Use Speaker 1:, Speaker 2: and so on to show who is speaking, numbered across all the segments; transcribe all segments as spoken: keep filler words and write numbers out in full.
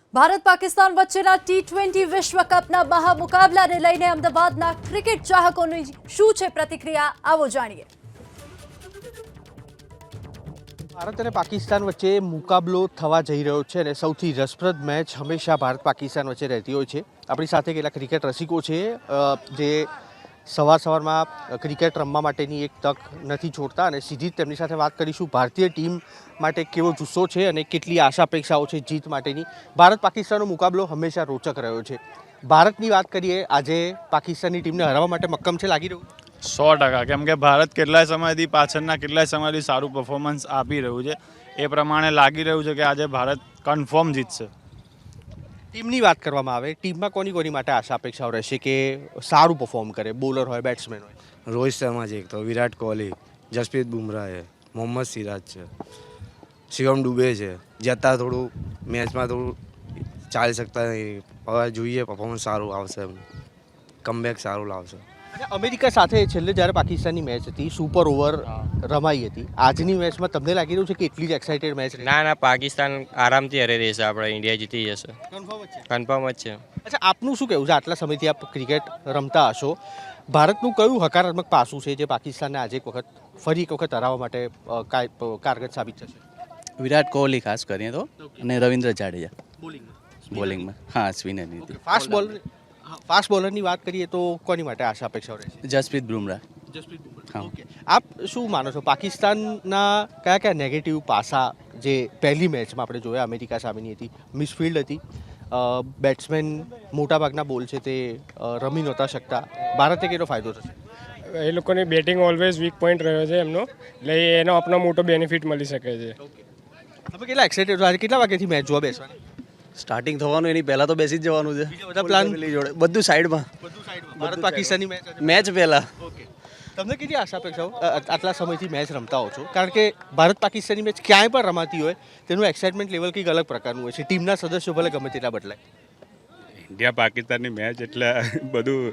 Speaker 1: ભારત પાકિસ્તાન વચ્ચેના T twenty વિશ્વ કપના મહામુકાબલાને લઈને અમદાવાદના ક્રિકેટ ચાહકોની શું છે પ્રતિક્રિયા, આવો જાણીએ.
Speaker 2: ભારત અને પાકિસ્તાન વચ્ચે મુકાબલો થવા જઈ રહ્યો છે અને સૌથી રસપ્રદ મેચ હંમેશા ભારત પાકિસ્તાન વચ્ચે રહેતી હોય છે. આપણી સાથે કેટલાક ક્રિકેટ રસિકો છે જે સવાર સવારમાં ક્રિકેટ રમવા માટેની એક તક નથી છોડતા અને સીધી જ તેમની સાથે વાત કરીશું. ભારતીય ટીમ માટે કેવો જુસ્સો છે અને કેટલી આશા અપેક્ષાઓ છે જીત માટેની. ભારત પાકિસ્તાનનો મુકાબલો હંમેશા રોચક રહ્યો છે. ભારતની વાત કરીએ, આજે પાકિસ્તાનની ટીમને હરાવવા માટે મક્કમ છે લાગી રહ્યું?
Speaker 3: સો ટકા કેમ કે ભારત કેટલાય સમયથી પાછળના કેટલાય સમયથી સારું પરફોર્મન્સ આપી રહ્યું છે. એ પ્રમાણે લાગી રહ્યું છે કે આજે ભારત કન્ફર્મ જીતશે.
Speaker 2: ટીમની વાત કરવામાં આવે, ટીમમાં કોની કોની માટે આશા અપેક્ષાઓ રહેશે કે સારું પરફોર્મ કરે? બોલર હોય, બેટ્સમેન હોય?
Speaker 4: રોહિત શર્મા છે, એક તો વિરાટ કોહલી, જસપ્રીત બુમરાહ છે, મોહમ્મદ સિરાજ છે, શિવમ દુબે છે. જે અત્યારે થોડું મેચમાં થોડું ચાલી શકતા નહીં, હવે જોઈએ પરફોર્મન્સ સારું આવશે, કમબેક સારું લાવશે.
Speaker 2: અમેરિકા સાથે છેલ્લે જ્યારે પાકિસ્તાનની મેચ હતી, સુપર ઓવર રમાઈ હતી. આજની મેચમાં તમને લાગી રહ્યું છે કે એટલી જ એક્સાઇટેડ મેચ?
Speaker 5: ના ના, પાકિસ્તાન આરામથી હરી રહેશે, આપણે ઇન્ડિયા જીતી જશે, કન્ફર્મ જ છે.
Speaker 2: અચ્છા, આપનું શું કહેવું છે? આટલા સમયથી આપ ક્રિકેટ રમતા હશો, ભારતનું કયું હકારાત્મક પાસું છે જે પાકિસ્તાનને આજે એક વખત ફરી એક વખત હરાવવા માટે કારગર સાબિત થશે?
Speaker 6: વિરાટ કોહલી ખાસ કરીને તો, અને રવિન્દ્ર જાડેજા
Speaker 2: બોલિંગમાં
Speaker 6: બોલિંગમાં. હા, સ્પિનરની હતી.
Speaker 2: ફાસ્ટ બોલર ફાસ્ટ બોલરની વાત કરીએ તો કોની માટે આશા અપેક્ષાઓ રહેશે?
Speaker 6: જસપ્રીત બુમરાહ.
Speaker 2: જસપ્રીત બુમરાહ.
Speaker 6: હા.
Speaker 2: ઓકે, આપ શું માનો છો પાકિસ્તાનના કયા કયા નેગેટિવ પાસા જે પહેલી મેચમાં આપણે જોયા અમેરિકા સામેની હતી? મિસફિલ્ડ હતી, બેટ્સમેન મોટાભાગના બોલ છે તે રમી નહોતા શકતા. ભારતે કેટલો ફાયદો થશે?
Speaker 7: એ લોકોની બેટિંગ ઓલવેઝ વીક પોઈન્ટ રહ્યો છે એમનો, એટલે એનો આપણો મોટો બેનિફિટ મળી શકે છે.
Speaker 2: તમે કેટલા એક્સાઇટેડ છો? આજે કેટલા વાગ્યાથી મેચ જોવા બેસવાની?
Speaker 6: સ્ટાર્ટિંગ થવાનું એની પહેલા તો બેસી જ જવાનું છે.
Speaker 2: બધા પ્લાન
Speaker 6: જોડે બધું સાઈડમાં.
Speaker 2: બધું સાઈડમાં. ભારત પાકિસ્તાનની મેચ
Speaker 6: મેચ પહેલા.
Speaker 2: ઓકે, તમને કેટલી આશા અપેક્ષાઓ આટલા સમયથી મેચ રમતા હો છો? કારણ કે ભારત પાકિસ્તાનની મેચ ક્યાંય પણ રમાતી હોય તેનું એક્સાઇટમેન્ટ લેવલ કંઈક અલગ પ્રકારનું હોય છે. ટીમના સદસ્યો ભલે ગમે તેટલા બદલાય.
Speaker 8: ઇન્ડિયા પાકિસ્તાનની મેચ એટલે બધું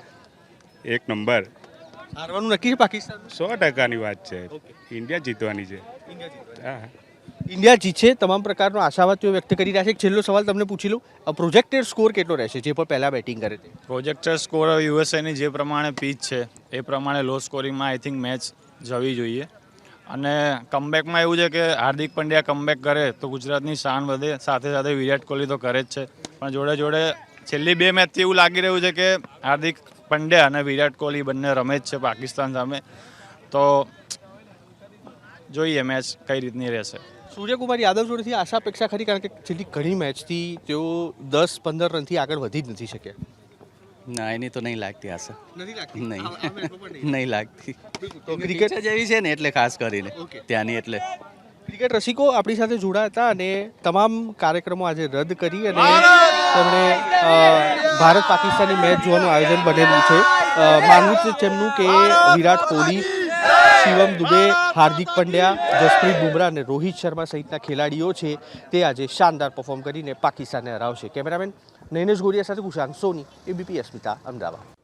Speaker 8: એક નંબર.
Speaker 2: હારવાનું નક્કી છે પાકિસ્તાન?
Speaker 8: સો ટકાની વાત છે. ઇન્ડિયા જીતવાની છે. હા,
Speaker 2: ઇન્ડિયા જીતશે, તમામ પ્રકારનો આશાવાદ તેઓ વ્યક્ત કરી રહ્યા છે. છેલ્લો સવાલ તમને પૂછી લઉં, પ્રોજેક્ટેડ સ્કોર કેટલો રહેશે જે પણ પહેલા બેટિંગ કરે તે?
Speaker 3: પ્રોજેક્ટર સ્કોર યુએસએની જે પ્રમાણે પીચ છે એ પ્રમાણે લો સ્કોરિંગમાં આઈ થિંક મેચ જવી જોઈએ. અને કમબેકમાં એવું છે કે હાર્દિક પંડ્યા કમબેક કરે તો ગુજરાતની શાન વધે, સાથે સાથે વિરાટ કોહલી તો કરે જ છે, પણ જોડે જોડે છેલ્લી બે મેચથી એવું લાગી રહ્યું છે કે હાર્દિક પંડ્યા અને વિરાટ કોહલી બંને રમે જ છે પાકિસ્તાન સામે. તો જોઈએ મેચ કઈ રીતની રહેશે.
Speaker 2: સૂર્યકુમાર યાદવ જોડેથી આશા અપેક્ષા ખરી? કારણ કે છેલ્લી ઘણી મેચથી તેઓ દસ પંદર રનથી આગળ વધી જ નથી શક્યા.
Speaker 6: ના, એની તો નહીં લાગતી આશા.
Speaker 2: નથી લાગતી?
Speaker 6: નહીં નહીં લાગતી.
Speaker 2: તો
Speaker 6: ક્રિકેટ જેવી છે ને એટલે ખાસ કરીને ત્યાંની, એટલે
Speaker 2: ક્રિકેટ રસિકો આપણી સાથે જોડાયા હતા અને તમામ કાર્યક્રમો આજે રદ કરી અને તેમણે ભારત પાકિસ્તાનની મેચ જોવાનું આયોજન બનેલું છે. માનવું છે તેમનું કે વિરાટ કોહલી, શિવમ દુબે, હાર્દિક પંડ્યા, જસપ્રીત બુમરાહ અને રોહિત શર્મા સહિતના ખેલાડીઓ છે તે આજે શાનદાર પરફોર્મ કરીને પાકિસ્તાનને હરાવશે. કેમેરામેન નૈનેશ ગોરિયા સાથે કુશાંત સોની, એબીપી અસ્મિતા, અમદાવાદ.